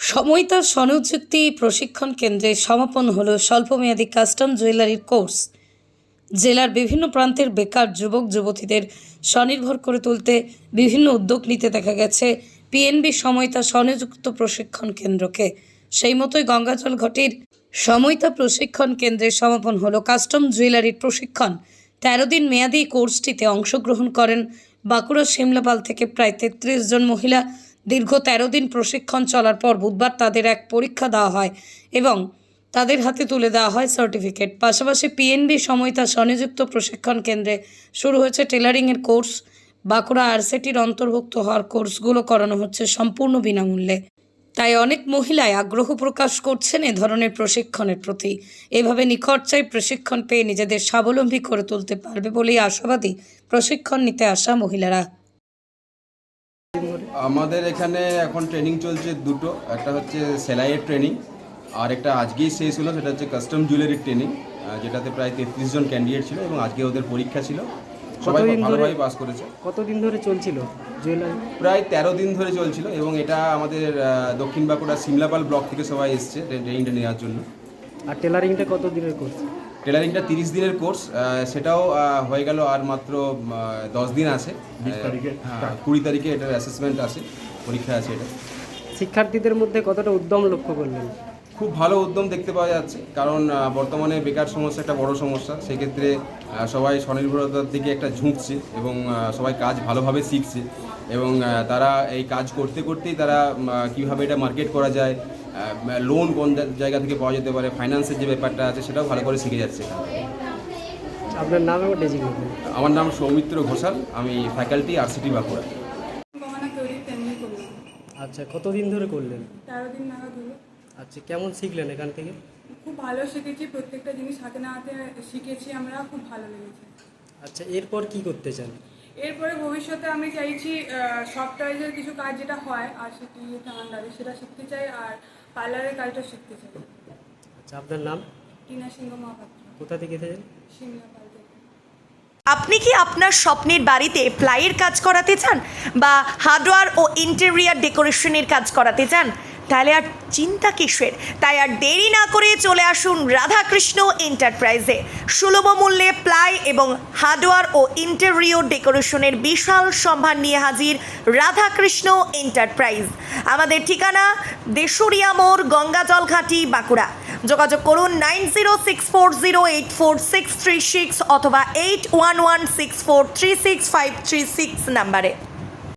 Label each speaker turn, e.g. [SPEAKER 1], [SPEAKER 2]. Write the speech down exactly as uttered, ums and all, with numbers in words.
[SPEAKER 1] সময়তা স্বনিযুক্তি প্রশিক্ষণ কেন্দ্রে সমাপন হলো স্বল্পমেয়াদী কাস্টম জুয়েলারির কোর্স। জেলার বিভিন্ন প্রান্তের বেকার যুবক যুবতীদের স্বনির্ভর করে তুলতে বিভিন্ন উদ্যোগ নিতে দেখা গেছে পিএনবি সময়তা স্বনিযুক্ত প্রশিক্ষণ কেন্দ্রকে। সেই মতোই গঙ্গাজল ঘাটির সময়তা প্রশিক্ষণ কেন্দ্রে সমাপন হলো কাস্টম জুয়েলারির প্রশিক্ষণ। তেরো দিন মেয়াদী কোর্সটিতে অংশগ্রহণ করেন বাঁকুড়া শিমলাপাল থেকে প্রায় তেত্রিশ জন মহিলা। দীর্ঘ তেরো দিন প্রশিক্ষণ চলার পর বুধবার তাদের এক পরীক্ষা দেওয়া হয় এবং তাদের হাতে তুলে দেওয়া হয় সার্টিফিকেট। পাশাপাশি পিএনবি সময়তা স্বনিযুক্ত প্রশিক্ষণ কেন্দ্রে শুরু হয়েছে টেলারিংয়ের কোর্স। বাঁকুড়া আরসিটির অন্তর্ভুক্ত হওয়ার কোর্সগুলো করানো হচ্ছে সম্পূর্ণ বিনামূল্যে। তাই অনেক মহিলাই আগ্রহ প্রকাশ করছেন এ ধরনের প্রশিক্ষণের প্রতি। এভাবে নিখরচায় প্রশিক্ষণ পেয়ে নিজেদের স্বাবলম্বী করে তুলতে পারবে বলেই আশাবাদী প্রশিক্ষণ নিতে আসা মহিলারা।
[SPEAKER 2] আমাদের এখানে এখন ট্রেনিং চলছে দুটো, একটা হচ্ছে সেলাইয়ের ট্রেনিং আর একটা আজকেই শেষ হলো, সেটা হচ্ছে কাস্টম জুয়েলারির ট্রেনিং, যেটাতে প্রায় তেত্রিশ জন ক্যান্ডিডেট ছিল এবং আজকে ওদের পরীক্ষা ছিল। সবাই ভালোভাবে পাস করেছে।
[SPEAKER 3] কতদিন ধরে চলছিল জুয়েলারি?
[SPEAKER 2] প্রায় তেরো দিন ধরে চলছিল এবং এটা আমাদের দক্ষিণ বাঁকুড়া শিমলাপাল ব্লক থেকে সবাই এসছে ট্রেনিংটা নেওয়ার জন্য।
[SPEAKER 3] আর টেলারিংটা কত দিনের কোর্স?
[SPEAKER 2] টেলারিংটা তিরিশ দিনের কোর্স, সেটাও হয়ে গেল আর মাত্র দশ দিন আছে। হ্যাঁ, কুড়ি তারিখে এটার অ্যাসেসমেন্ট আছে, পরীক্ষা আছে। এটা
[SPEAKER 3] শিক্ষার্থীদের মধ্যে কতটা উদ্যম লক্ষ্য করলেন?
[SPEAKER 2] খুব ভালো উদ্যম দেখতে পাওয়া যাচ্ছে, কারণ বর্তমানে বেকার সমস্যা একটা বড় সমস্যা। সেক্ষেত্রে সবাই স্বনির্ভরতার দিকে একটা ঝুঁকছে এবং সবাই কাজ ভালোভাবে শিখছে এবং তারা এই কাজ করতে করতেই তারা কীভাবে এটা মার্কেট করা যায়, লোন কোন জায়গা থেকে পাওয়া যেতে পারে, ফাইন্যান্সের যে ব্যাপারটা আছে সেটাও ভালো করে শিখে যাচ্ছে।
[SPEAKER 3] আপনার নাম এবং ডেজিগনেশন?
[SPEAKER 2] আমার নাম সৌমিত্র ঘোষাল, আমি ফ্যাকাল্টি আরসিটি বাঁকুড়া।
[SPEAKER 3] আচ্ছা, কতদিন ধরে করলেন?
[SPEAKER 4] তেরো দিন নাগাদ হলো।
[SPEAKER 3] আচ্ছা, কেমন শিখলেন এখান থেকে?
[SPEAKER 4] খুব ভালো শিখেছি, প্রত্যেকটা জিনিস হাতে না হাতে শিখেছি আমরা, খুব ভালো লেগেছে।
[SPEAKER 3] আচ্ছা, এরপর কি করতে চান?
[SPEAKER 4] এরপরে ভবিষ্যতে আমি চাইছি সফটওয়্যারের কিছু কাজ যেটা হয় আর সেটি আন্ডারে সেটা শিখতে চাই, আর পার্লারের কাজটা শিখতে চাই।
[SPEAKER 3] আচ্ছা, আপনার নাম?
[SPEAKER 4] টিনা সিংহ মহাপাত্র।
[SPEAKER 3] কোথা থেকে এসেছেন?
[SPEAKER 4] শিমলাপাল থেকে।
[SPEAKER 5] আপনি কি আপনার স্বপ্নের বাড়িতে প্লাইয়ের কাজ করাতে চান বা হার্ডওয়্যার ও ইন্টেরিয়ার ডেকোরেশনের কাজ করাতে চান? তাহলে আর চিন্তা কিসের? তাই আর দেরি না করে চলে আসুন রাধাকৃষ্ণ এন্টারপ্রাইজে। সুলভ মূল্যে প্লাই এবং হার্ডওয়্যার ও ইন্টেরিয়র ডেকোরেশনের বিশাল সম্ভার নিয়ে হাজির রাধাকৃষ্ণ এন্টারপ্রাইজ। আমাদের ঠিকানা দেশুরিয়া মোড়, গঙ্গাজল ঘাটি, বাঁকুড়া। যোগাযোগ করুন nine zero six four zero eight four six three six অথবা eight one one six four three six five three six নাম্বারে।